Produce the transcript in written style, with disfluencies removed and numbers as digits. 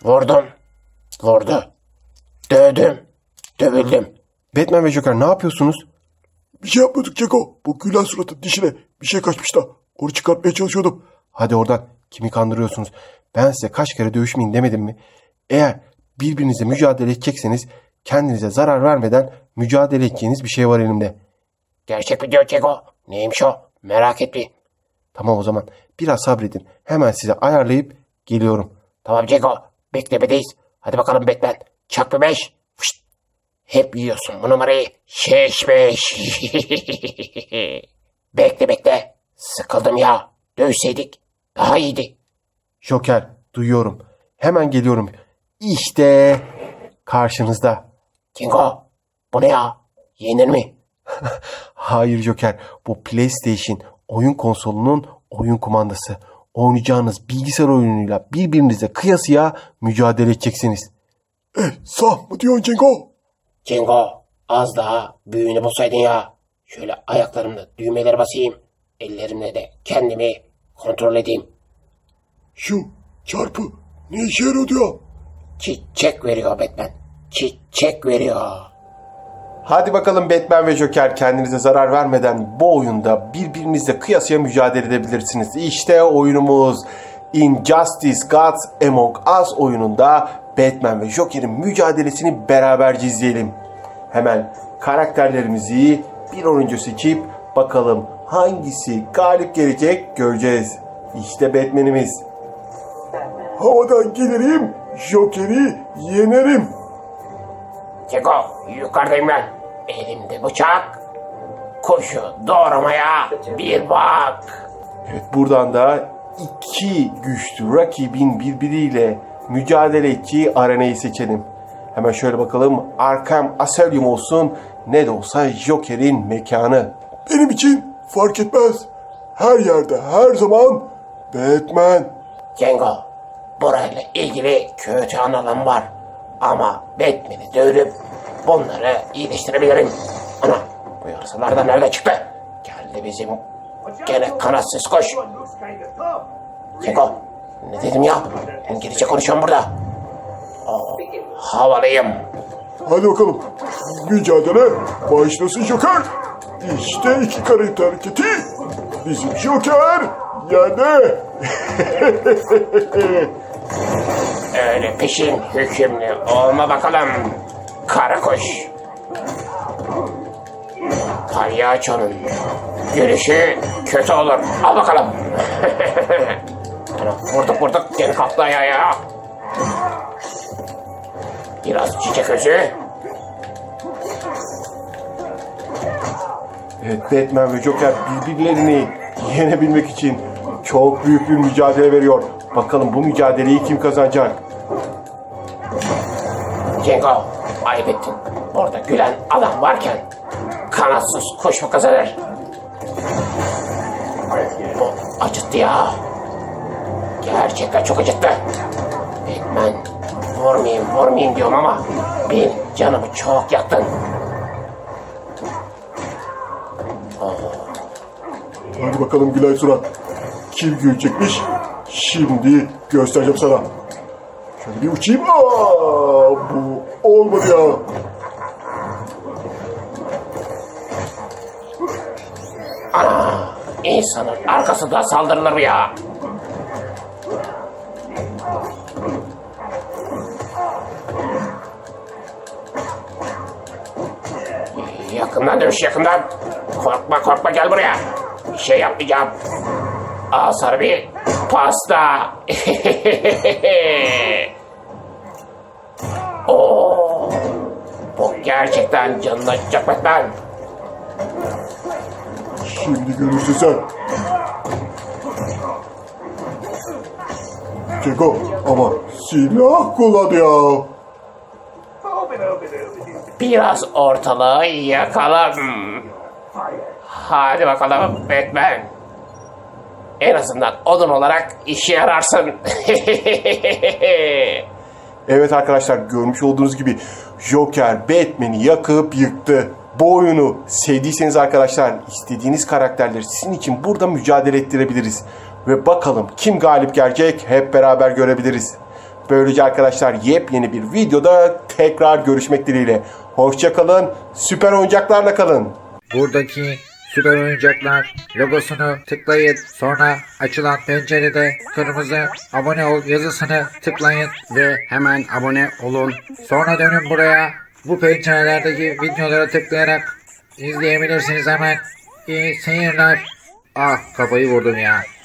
Vurdum. Vurdu. Dövdüm. Dövüldüm. Batman ve Joker ne yapıyorsunuz? Bir şey yapmadık Ceko. Bu gülen suratın dişine bir şey kaçmış da. Onu çıkartmaya çalışıyordum. Hadi oradan, kimi kandırıyorsunuz? Ben size kaç kere dövüşmeyin demedim mi? Eğer birbirinizle mücadele edecekseniz kendinize zarar vermeden mücadele edeceğiniz bir şey var elimde. Gerçek video Ceko. Neymiş o? Merak etmeyin. Tamam, o zaman biraz sabredin. Hemen size ayarlayıp geliyorum. Tamam Ceko. Beklemedeyiz. Hadi bakalım Batman. Çak bir 5. Fışt. Hep yiyorsun bu numarayı. Şeş 5. Bekle. Sıkıldım ya. Dövseydik daha iyiydi. Joker, duyuyorum. Hemen geliyorum. İşte karşınızda. Kingo. Bu ne ya? Yenir mi? Hayır Joker, bu PlayStation oyun konsolunun oyun kumandası. Oynayacağınız bilgisayar oyunuyla birbirinize kıyasıya mücadele edeceksiniz. Sağ mı diyorsun Ceko? Kingo. Az daha büyüğünü bulsaydın ya. Şöyle ayaklarımla düğmeleri basayım. Ellerimle de kendimi kontrol edeyim. Şu çarpı ne işe yarıyordu ya? Çiçek veriyor Batman. Çiçek veriyor. Hadi bakalım Batman ve Joker, kendinize zarar vermeden bu oyunda birbirinizle kıyasıya mücadele edebilirsiniz. İşte oyunumuz Injustice Gods Among Us oyununda Batman ve Joker'in mücadelesini beraberce izleyelim. Hemen karakterlerimizi bir an önce seçip bakalım hangisi galip gelecek göreceğiz. İşte Batman'imiz. Havadan gelirim, Joker'i yenerim. Keko yukarıdayım ben. Elimde bıçak. Kuşu doğramaya bir bak. Evet, buradan da iki güçlü rakibin birbiriyle mücadele ettiği arenayı seçelim. Hemen şöyle bakalım. Arkham Asylum olsun, ne de olsa Joker'in mekanı. Benim için fark etmez. Her yerde, her zaman Batman. Kengo, burayla ilgili kötü anılarım var. Ama Batman'i dövüp bunları iyileştirebilirim. Ana, bu yarısalar da nerede çıktı? Geldi bizim gene kanatsız koş. Kengo, ne dedim ya? İngilizce konuşuyorum burada. Havalıyım. Hadi bakalım. Mücadele başlasın Joker. İşte iki karakter hareketi. Bizim Joker yerde. Öyle peşin hükümlü olma bakalım. Kara kuş. Palyaçonun gülüşü kötü olur. Al bakalım. Vurduk. Geri kalktı ayağa ya. Biraz çiçek özü. Evet, Batman ve Joker birbirlerini yenebilmek için çok büyük bir mücadele veriyor. Bakalım bu mücadeleyi kim kazanacak? Kengo, ayıp ettin. Orada gülen adam varken kanatsız kuş mu kazanır? Bu acıttı ya. Gerçekten çok acıttı. Batman, vurmayayım diyorum ama benim canımı çok yaktın. Hadi bakalım Gülay Surat. Kim gülecekmiş? Şimdi göstereceğim sana. Şöyle bir uçayım. Bu olmadı ya. İnsanın arkasından saldırılır mı ya? Yakından dövüş, yakından. Korkma gel buraya. Bir şey yapmayacağım. Al sana bir pasta. Oo, bu gerçekten canını acıtacak Batman. Şimdi görürsün sen. Ceko ama silah kullan ya. Biraz ortalığı yakalım. Hadi bakalım Batman. En azından odun olarak işe yararsın. Evet arkadaşlar, görmüş olduğunuz gibi Joker Batman'i yakıp yıktı. Bu oyunu sevdiyseniz arkadaşlar, istediğiniz karakterleri sizin için burada mücadele ettirebiliriz. Ve bakalım kim galip gelecek hep beraber görebiliriz. Böylece arkadaşlar yepyeni bir videoda tekrar görüşmek dileğiyle. Hoşça kalın, süper oyuncaklarla kalın. Buradaki süper oyuncaklar logosunu tıklayın. Sonra açılan pencerede kırmızı abone ol yazısını tıklayın. Ve hemen abone olun. Sonra dönün buraya. Bu pencerelerdeki videolara tıklayarak izleyebilirsiniz hemen. İyi seyirler. Ah, kafayı vurdum ya.